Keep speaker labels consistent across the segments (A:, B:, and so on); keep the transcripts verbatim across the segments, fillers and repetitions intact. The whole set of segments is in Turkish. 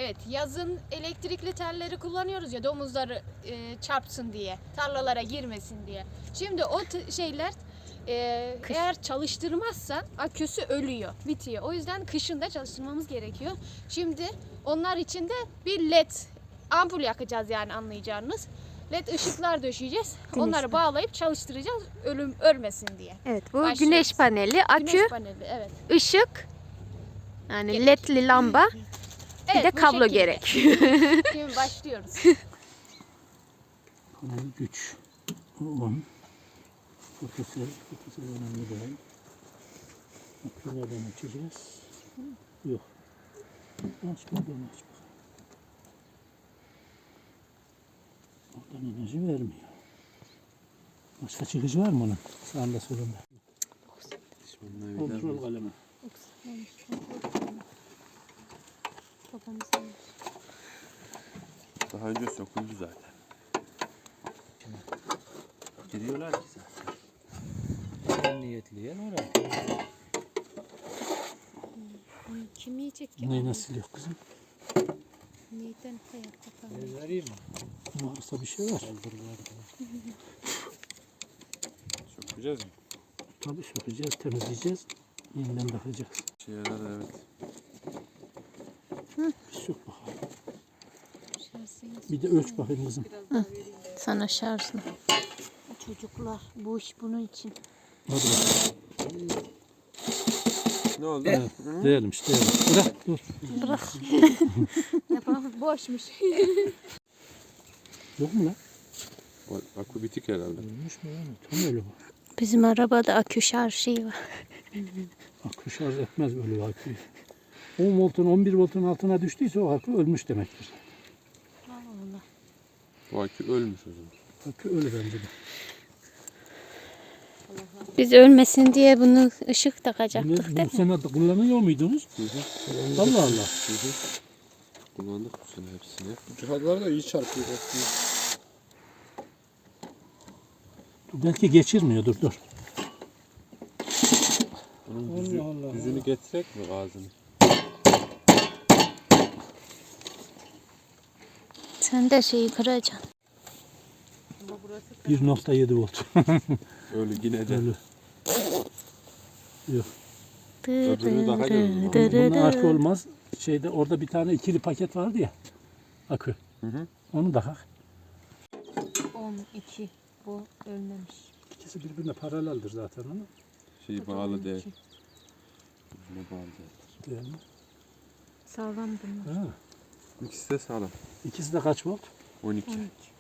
A: Evet, yazın elektrikli telleri kullanıyoruz ya domuzları e, çarpsın diye, tarlalara girmesin diye. Şimdi o şeyler e, eğer çalıştırmazsan aküsü ölüyor, bitiyor. O yüzden kışın da çalıştırmamız gerekiyor. Şimdi onlar için de bir led ampul yakacağız, yani anlayacağınız. Led ışıklar döşeyeceğiz. Güneş Onları paneli. bağlayıp çalıştıracağız, ölüm ölmesin diye.
B: Evet, bu
A: Başlıyoruz.
B: güneş paneli, akü,
A: güneş paneli, evet.
B: ışık, yani
A: Gerek.
B: ledli lamba,
A: evet,
B: bir de kablo
A: şekilde.
B: gerek.
A: Şimdi başlıyoruz.
C: Panel güç on. Fotosel, fotosel önemli değil. Akülerden açacağız. Yok. Aç buradan aç. Oradan enerji vermiyor. Başka çıkıcı var mı onun? Sağında solunda. Kontrol kalemi.
D: Daha önce söküldü zaten. Giriyorlar ki zaten.
C: En niyetli yer orada.
B: Kim yiyecek ki?
C: Neyi nasıl yok kızım?
B: Neyden hayatta kalmış?
C: Vereyim mi? Varsa bir şey var.
D: Sökeceğiz mi?
C: Tabii sökeceğiz, temizleyeceğiz. Yeniden takacağız.
D: Şey yarar evet.
C: Bir sök bakalım. Bir de ölç bakayım kızım.
B: Sana şarjını. Çocuklar, bu iş bunun için.
C: Hadi bakalım.
D: Ne oldu?
C: Evet, değelim işte. Bırak, dur.
B: Bırak. Yapalım, boşmuş.
C: Yok mu lan?
D: O akü bitik herhalde.
C: Ölmüş mü yani? Tam öyle bu.
B: Bizim arabada akü şarj şeyi var.
C: Akü şarj etmez böyle aküyü. on voltun on bir voltun altına düştüyse o akü ölmüş demektir.
B: Allah.
D: O akü ölmüş o zaman.
C: Akü ölü bence de.
B: Biz ölmesin diye bunu ışık
C: Bunu,
B: takacaktık
C: bunu
B: değil mi?
C: sene kullanıyor muydunuz?
D: Hı hı.
C: Allah Allah.
D: Hı hı. Kullandık bu sene hepsini. Bu cihazlar da iyi çarpıyor aslında.
C: Dur, belki geçirmiyor, dur dur.
D: Bunun düzü,
C: Allah Allah.
D: düzünü getirek mi gazını?
B: Sen de şeyi kıracaksın.
C: bir nokta yedi volt.
D: Ölü yine de.
C: Ölü. Yok.
D: Öbürünü takacağız.
C: Bunun akü olmaz. Şeyde orada bir tane ikili paket vardı ya. Akü.
D: Hı hı.
C: Onu da hak.
B: on iki. Bu ölmemiş.
C: İkisi birbirine paraleldir zaten onu.
D: Şey bağlı değil. Birbirine bağlı değil.
C: Değil mi?
B: Sağlam bunlar.
C: Ha.
D: İkisi de sağlam.
C: İkisi de kaç volt?
D: on iki.
B: on iki.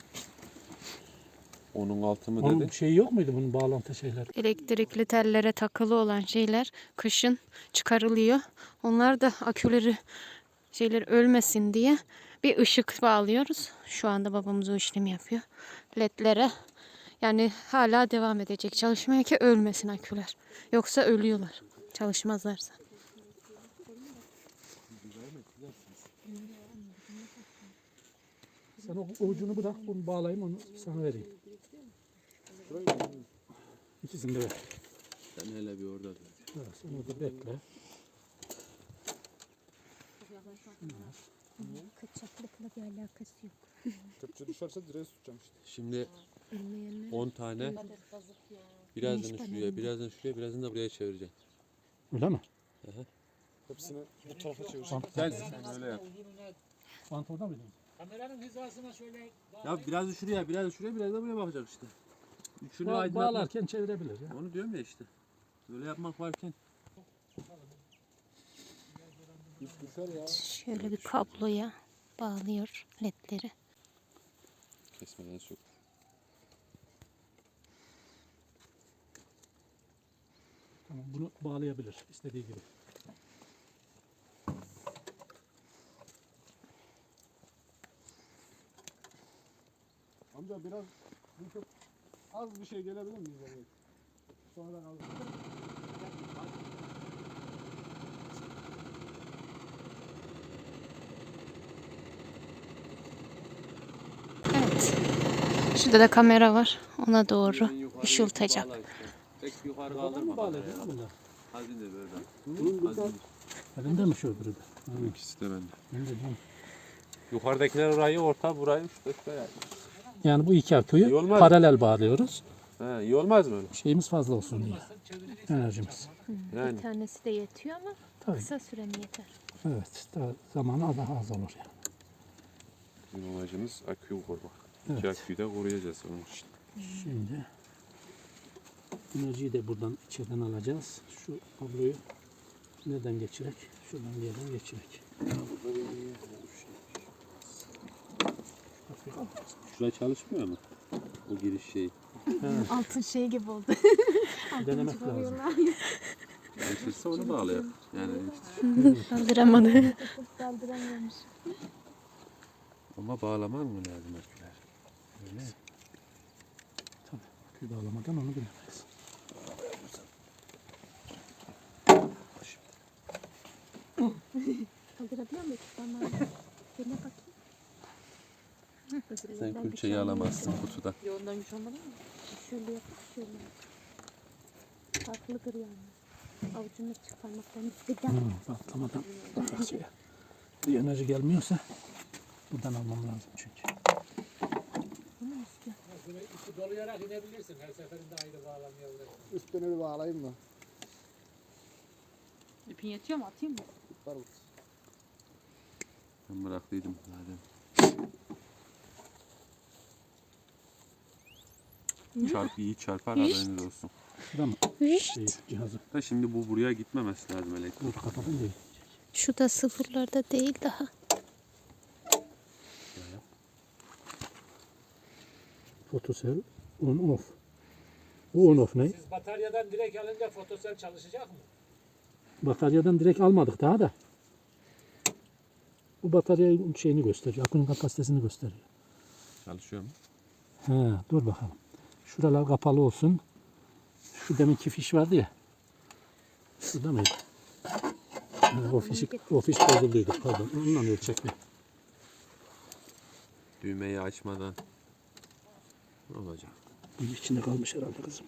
D: Onun altı mı
C: Onun
D: dedi?
C: şeyi yok muydu bunun bağlantı şeyleri?
B: Elektrikli tellere takılı olan şeyler kışın çıkarılıyor. Onlar da aküleri şeyler ölmesin diye bir ışık bağlıyoruz. Şu anda babamız o işlemi yapıyor. Ledlere, yani hala devam edecek çalışmaya ki ölmesin aküler. Yoksa ölüyorlar çalışmazlarsa.
C: Sen o ucunu bırak, bunu bağlayayım, onu sana vereyim. İkisini de ver.
D: Sen hele bir orada dur.
C: Ha, sen orada bekle.
B: Kaçaklıkla bir alakası yok.
E: Kepçe düşerse direğe tutacağım işte.
D: Şimdi on tane birazdan şuraya, birazdan şuraya, birazdan da buraya çevireceğim.
C: Öyle mi?
E: Hepsini bu tarafa çevireceğim.
D: Sen, sen öyle yap.
C: Bant orada mıydı?
D: Ya biraz da şuraya, biraz da şuraya, biraz da buraya bakacak işte. Üçünü
C: Ba
D: aydınlatmak.
C: bağlarken çevirebilir ya.
D: Onu diyorum ya işte. Böyle yapmak varken.
E: İp düşer ya.
B: Şöyle bir kabloya bağlıyor ledleri.
D: Kesmeden sök.
C: Tamam, bunu bağlayabilir istediği gibi.
E: Amca biraz bir çok az bir şey gelebilir miyiz oraya? Sonradan alırız.
B: Evet. Şurada da kamera var. Ona doğru ışıltacak.
D: Tek yukarı
C: Buradan mı
D: kaldırma.
C: bağlayacak bunlar?
D: Hazine böyle.
C: Elinde mi şu öbürü de?
D: İkisi de bende.
C: Ben de diyorum.
D: Yukarıdakiler orayı, orta burayı, işte şuraya.
C: Yani bu iki
D: İyi
C: aküyü
D: olmaz.
C: paralel bağlıyoruz.
D: Ha, iyi olmaz mı öyle?
C: Şeyimiz fazla olsun diye. Enerjimiz.
D: Yani.
B: Bir tanesi de yetiyor ama
C: Tabii.
B: kısa süre mi yeter?
C: Evet. Daha zamanı daha az olur yani.
D: Bizim amacımız aküyü korumak.
C: Evet.
D: İki aküyü de koruyacağız onun için.
C: Şimdi enerjiyi de buradan içeriden alacağız. Şu kabloyu nereden geçirek? Şuradan bir yerden geçirek.
D: Şuraya çalışmıyor mu? O giriş şey.
A: Altın şey gibi oldu.
C: Denemek lazım.
D: Çalışırsa onu bağlıyor. Yani işte.
B: Kaldıramadı.
A: Kaldıramıyormuş.
D: Ama bağlaman mı lazım aküler? Öyle.
C: Tabii. Akü bağlamadan onu bilemeyiz.
A: Kaldırabiliyor muyum? Tamam. Dene bakayım.
D: Sen külçeyi alamazsın kutuda.
A: Yoğundan güç olmadı mı? Şöyle yap, şöyle yap. Farklıdır yani. Avucunu çıkarmaktan istedim.
C: Hmm, patlamadan bak şeye. Bir enerji gelmiyorsa buradan almam lazım çünkü.
E: Üstüne bir bağlayayım da.
F: İpin yetiyor mu? Atayım mı?
E: Var mı?
D: Ben bıraktıydım zaten. Çarp iyi çarpar haberiniz olsun.
C: Şurada mı? Şey, cihazı.
D: Da şimdi bu buraya gitmemesi lazım elektrik.
C: Dur kapadım değil.
B: Şu da sıfırlarda değil daha.
C: Fotosel on off. Bu on off ne?
G: Siz bataryadan direkt alınca fotosel çalışacak mı?
C: Bataryadan direkt almadık daha da. Bu bataryanın şeyini gösteriyor. Akünün kapasitesini gösteriyor.
D: Çalışıyor mu?
C: He, dur bakalım. Şuralar kapalı olsun. Şu deminki fiş vardı ya. Şurada mıydı? Ha, o fiş, o fiş bozulduydu. Pardon. Ondan ölçekli.
D: Düğmeyi açmadan. Ne olacak?
C: Bunun içinde kalmış herhalde kızım.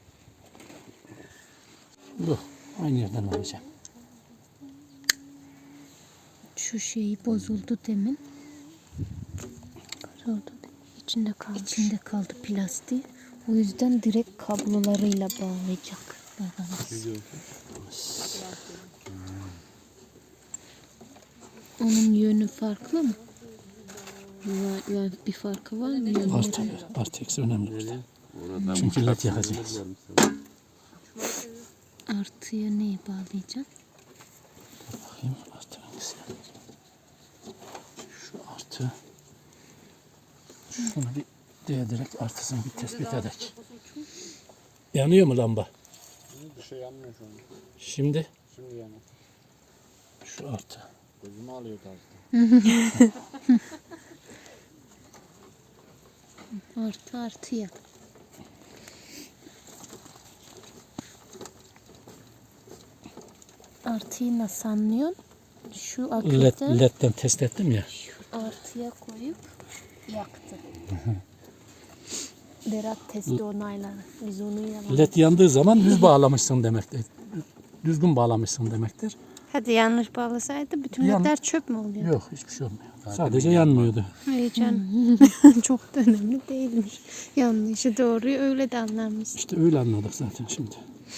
C: Bu. Aynı yerden alacağım.
B: Şu şeyi bozuldu demin. Oldu. İçinde kaldı. İçinde kaldı plastiği. O yüzden direkt kablolarıyla bağlayacak babamız. Onun yönü farklı mı? Var, var, bir farkı var mı? Yönleri?
C: Artı, artı eksi önemli burada.
D: Oradan
C: Çünkü
D: bu
C: led
D: çarpsın
C: yakacağız.
D: demezler mi sana?
B: Artıya neyi bağlayacağım?
C: Bakayım artı hangisi? Şu artı. Şunu bir değdirerek artısını bir tespit edek. Yanıyor mu lamba?
E: Bir şey yanmıyor şu an.
C: Şimdi
E: Şimdi yanıyor.
C: şu artı.
E: Gözümü alıyor tarzda.
B: Artı artıya. Artıyı nasıl anlıyorsun? Şu
C: Led,
B: aküden
C: ledden test ettim ya.
B: artıya koyup yaktı. Berat testi onayladı. Biz onu yapalım.
C: Led yandığı zaman düz bağlamışsın demektir. Düzgün bağlamışsın demektir.
B: Hadi yanlış bağlasaydı bütün
C: Yan-
B: ledler çöp mü oluyor?
C: Yok hiçbir şey olmuyor. Sadece yanmıyordu.
B: Heyecan. Çok da önemli değilmiş. Yanlışı doğruyu öyle de anlamış.
C: İşte öyle anladık zaten şimdi.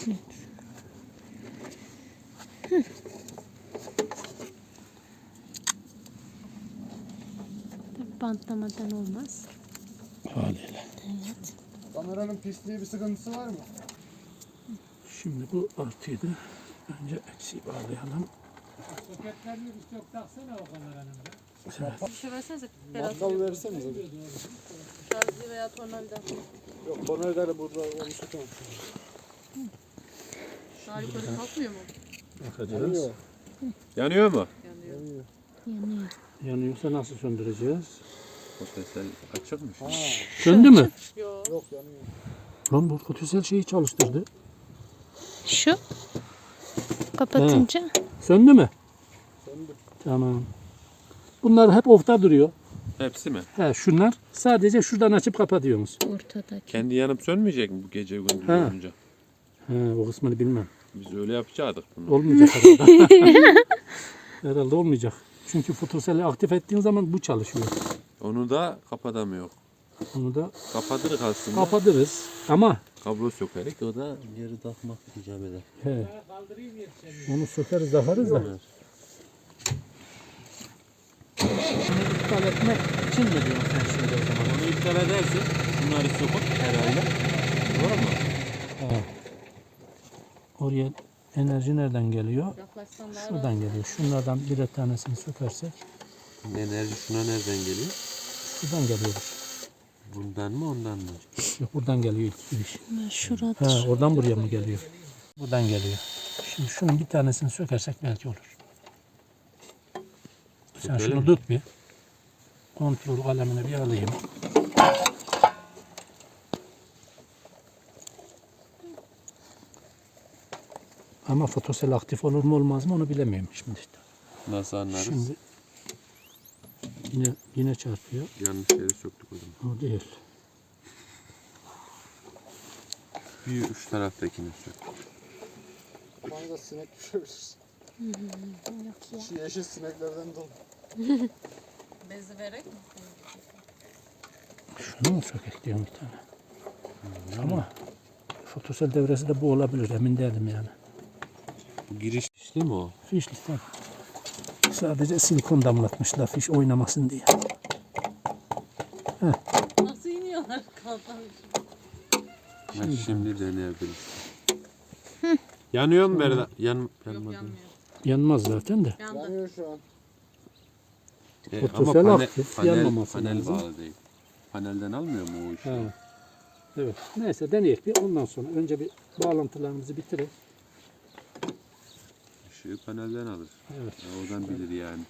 B: Tabii bantlamadan olmaz.
C: Haliyle.
B: Evet.
E: Kameranın pisliği bir sıkıntısı var mı?
C: Şimdi bu artıydı. Önce eksiği bağlayalım.
G: Soketlerini bir çok taksana o kameranın da.
F: Bir şey versenize. Berat
E: Bakkal versenize bir.
F: şarjı veya tornavida.
E: Yok tornavidayla burada onu tutamam.
F: Daha yukarı kalkmıyor mu?
C: Bakacağız.
E: Yanıyor.
D: Yanıyor mu?
F: Yanıyor.
E: Yanıyor.
B: Yanıyor.
C: Yanıyorsa nasıl söndüreceğiz?
D: Fotosel açıkmış.
E: Ha,
C: Söndü mü?
F: Yok.
E: yok yanıyor.
C: Lan bu fotosel şeyi çalıştırdı.
B: Şu kapatınca
C: Söndü mü?
E: Söndü.
C: Tamam. Bunlar hep off'ta duruyor.
D: Hepsi mi?
C: He şunlar. Sadece şuradan açıp kapatıyoruz.
B: ortadaki.
D: Kendi yanıp sönmeyecek mi bu gece gündüz
C: Ha.
D: olunca?
C: He o kısmını bilmem.
D: Biz öyle yapacaktık bunu.
C: Olmayacak herhalde. Herhalde olmayacak. Çünkü fotoseli aktif ettiğin zaman bu çalışıyor.
D: Onu da kapatamıyor.
C: Onu da
D: Kapatırız aslında.
C: kapatırız. Ama
D: Kablo sökerek o da geri takmak icap eder.
C: he, onu sökeriz takarız da.
D: Evet.
C: Bunu iptal etmek için mi diyorsun sen şimdi o zaman?
D: Onu iptal edersin. Bunları sokup herhalde. Doğru mu?
C: He. Oraya enerji nereden geliyor?
F: Yaklaşsan daha
C: Şuradan geliyor. Şunlardan birer tanesini sökersek
D: Enerji şuna nereden geliyor?
C: şuradan geliyor.
D: Bundan mı ondan mı?
C: Yok buradan geliyor ilk giriş.
B: Şurada.
C: Ha, oradan buraya mı geliyor? Buradan geliyor. Şimdi şunun bir tanesini sökersek belki olur. Sen
D: Sökelim.
C: şunu tut bir. Kontrol kalemini bir alayım. Ama fotosel aktif olur mu olmaz mı onu bilemiyorum şimdi işte.
D: Nasıl anlarız?
C: Şimdi yine yine çarpıyor.
D: Yanlış yere söktük o zaman.
C: O değil.
D: Bir üç taraftakini sök.
E: Bana da sinek düşebilir. Şu yeşil sineklerden dolu.
F: bezi vererek mi?
C: Şunu mu sökek diyorum bir tane. Ama fotosel devresi de bu olabilir emin değilim yani.
D: Bu giriş değil mi o?
C: Fişli tabii. Sadece silikon damlatmışlar fiş oynamasın diye.
F: Nasıl iniyorlar kalkan?
D: Ben şimdi deneyebilirim. Yanıyor mu Berda? Yan,
F: Yok
D: yanmadı.
F: yanmıyor.
C: Yanmaz zaten de.
F: Yandı.
E: Yanıyor şu an.
D: E, ama
C: Fotosel
D: pane-
C: aktif,
D: panel,
C: yanmaması
D: panel
C: lazım.
D: bağlı değil. Panelden almıyor mu o işi?
C: Ha. Evet. Neyse deneyelim bir ondan sonra. Önce bir bağlantılarımızı bitirelim.
D: Işığı panelden alır.
C: Evet.
D: Ya oradan bilir yani.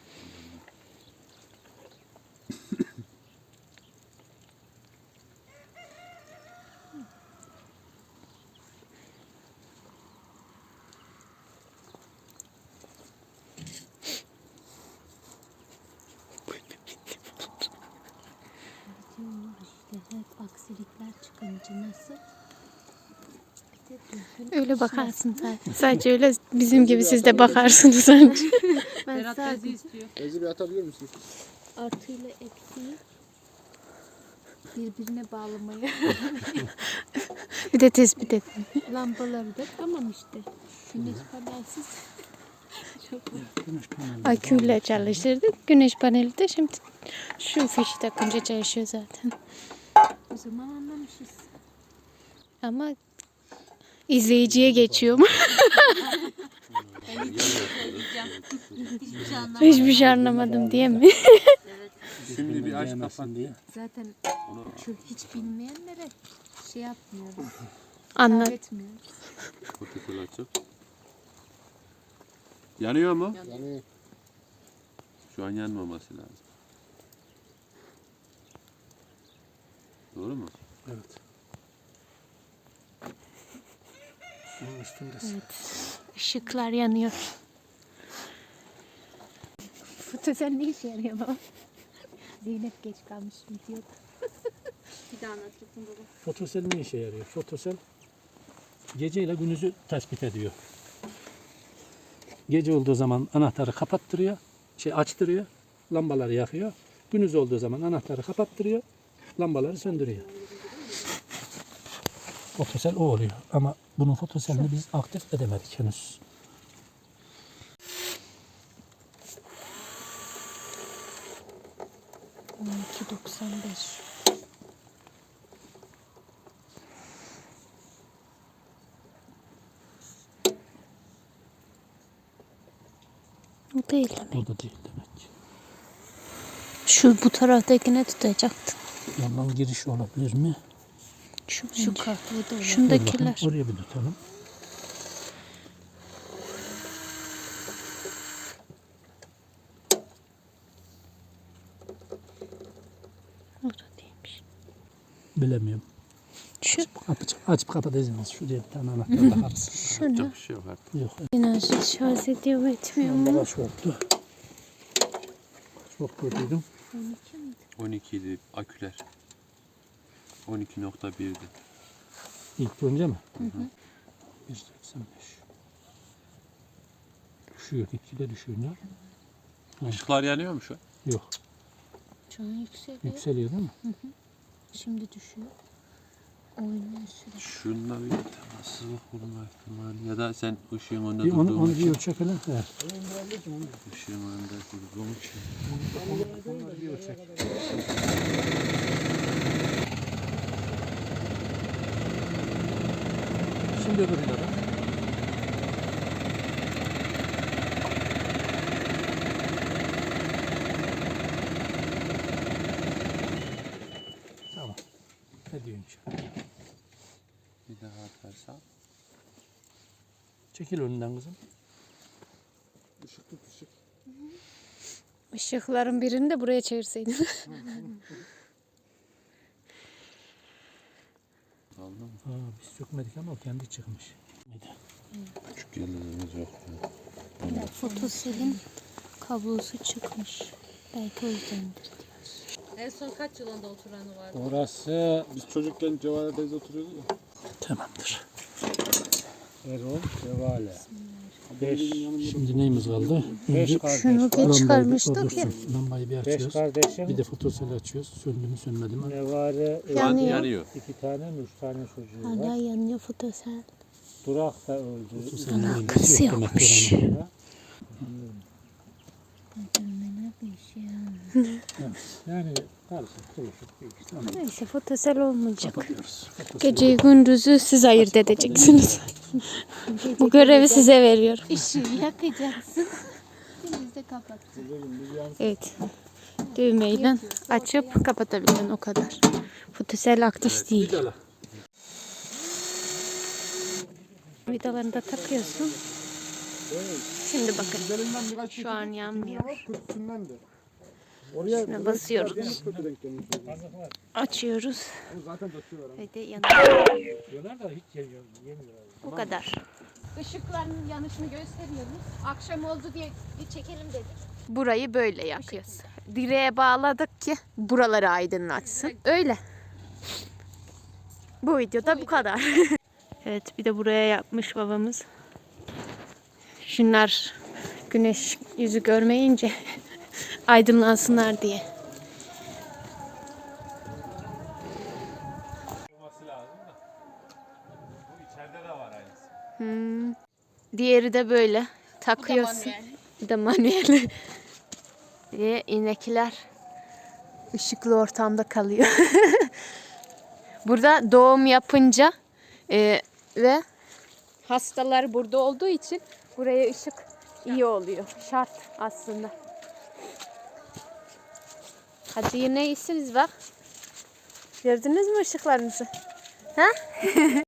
H: İşte hep aksilikler çıkınca nasıl? Bir de düzgün
B: Öyle bakarsın zaten. Sadece öyle bizim gibi siz de bakarsınız önce.
H: ben
F: Berat bezi
H: sadece
F: istiyor.
E: Ezi bir atabilir misin?
H: artıyla eksiği birbirine bağlamayı
B: Bir de tespit et.
H: lambaları da tamam işte. Güneş panelsiz
B: Aküyle çalıştırdık. Güneş paneli de şimdi şu fişi takınca çalışıyor zaten.
H: o zaman anlamışız.
B: Ama izleyiciye geçiyor mu?
H: Hiçbir şey anlamadım.
B: Hiçbir şey anlamadım diye mi?
D: Şimdi bir aç kapat.
C: diye.
H: Zaten şu hiç bilmeyenlere şey yapmıyoruz.
B: Anlat.
H: Öğretmiyoruz.
D: Fotokol açıp. Yanıyor mu?
E: Yanıyor.
D: Şu an yanmaması lazım. Doğru mu?
C: Evet. Bunun üstündesin.
B: Işıklar yanıyor.
H: Fotosel ne işe yarıyor baba? Zeynep geç kalmış videoda.
F: Bir daha anlatacaksın baba.
C: Fotosel ne işe yarıyor? Fotosel geceyle gündüzü tespit ediyor. Gece olduğu zaman anahtarı kapattırıyor, şey açtırıyor, lambaları yakıyor. Gündüz olduğu zaman anahtarı kapattırıyor, lambaları söndürüyor. Fotosel o oluyor ama bunun fotoselini biz aktif edemedik henüz.
H: on iki doksan beş.
B: O değil demek.
C: O da değil demek.
B: Şu bu taraftakine tutacaktın.
C: Yandan giriş olabilir mi?
B: Şu,
H: Şu
B: bence.
H: kahve de olur.
C: Dur
B: Şundakiler.
C: bakalım, oraya bir tutalım.
B: O da değilmiş.
C: Bilemiyorum.
B: Şu.
C: Açıp, açıp kapatacağız. Şuraya bir tane anahtar takarız.
B: Şunu.
D: Yapacak bir şey yok artık.
C: Yok.
B: Enerji şarj ediyor mu etmiyor mu?
C: Lambalar çoktu. Çok kötüydüm.
D: on iki idi aküler. on iki nokta birdi.
C: İlk önce mi? Hı hı. bir seksen beş. Düşüyor, gitgide düşüyor. Ne?
D: Işıklar yanıyor mu şu an?
C: Yok.
B: Şu an yükseliyor.
C: Yükseliyor değil mi?
B: Şimdi düşüyor. Oynuyor sürekli.
D: Şununla bir teması kurma ihtimali ya da sen ışığın önünde
C: Bir onu,
D: durduğun
C: onu
D: için.
C: bir ölçek hele. Evet.
D: Işığın önünde durduğun için.
C: Onları bir ölçek. Şimdi öbürüne bak. Tamam. Ne diyorsun şimdi?
D: Bir daha atarsam.
C: Çekil önünden kızım.
E: Işık tut ışık.
B: Işıkların birini de buraya çevirseydin.
D: Aldın mı?
C: Aa, biz sökmedik ama o kendi çıkmış.
D: Küçük yerlerimiz yok. Ya.
B: Fotoselin kablosu çıkmış. Belki o yüzdendir.
F: En son kaç yılında oturanı vardı?
E: Orası biz çocukken Cevale teyze oturuyordu ya.
C: Tamamdır.
E: Erol, Cevale.
C: Beş. Şimdi neyimiz kaldı? Önce
B: Şunu geç
C: lambayı bir
B: çıkarmıştık ya.
C: dursun. Lambayı bir açıyoruz.
I: kardeşim.
C: Bir de fotoseli açıyoruz. Söndü mü sönmedi mi?
I: Nevare
D: Şu an
B: Yanıyor.
D: yanıyor.
I: iki tane mi üç tane çocuğu
B: Hala
I: var.
B: yanıyor fotosel.
I: Durak da öldü.
C: Fotoselin
B: Alakası
C: ilgisi yok demek
B: yokmuş.
C: ki oranın.
I: Yani karışık kuruşuk bir iş.
B: Neyse fotosel olmayacak.
C: Kapatıyoruz. Fotoseli-
B: Geceyi gündüzü siz ayırt edeceksiniz. Bu görevi size veriyorum.
A: Işığı yakacaksın. Deniz de kapat.
B: Evet. Düğmeyle açıp kapatabilirsin o kadar. Fotosel aktif değil.
C: Vidala.
B: Vidalarını da takıyorsun. Şimdi bakın.
E: Üzerinden birkaç
B: Şu an yanmıyor.
E: kötüsünden de. Oraya
B: Üstüne basıyoruz.
E: kötü denk gelmiş oluyor.
B: Açıyoruz.
E: Onu zaten döküyorlar.
B: Ve de yanıyor.
I: Diyorlar da hiç yemiyor. Yemiyor.
B: Bu kadar.
A: Işıkların yanışını gösteriyoruz. Akşam oldu diye bir çekelim dedik.
B: Burayı böyle yakıyoruz. Direğe bağladık ki buraları aydınlatsın. Öyle. Bu videoda bu kadar. Evet, bir de buraya yapmış babamız. Şunlar güneş yüzü görmeyince aydınlansınlar diye.
G: Olması lazım da. Bu içeride de var aynısı.
B: Hmm. Diğeri de böyle takıyorsun.
A: manuel.
B: Bir de manuel. Ve inekler ışıklı ortamda kalıyor. Burada doğum yapınca e, ve hastalar burada olduğu için buraya ışık iyi oluyor. Şart aslında. Hadi yine iyisiniz bak. Gördünüz mü ışıklarınızı? Ha?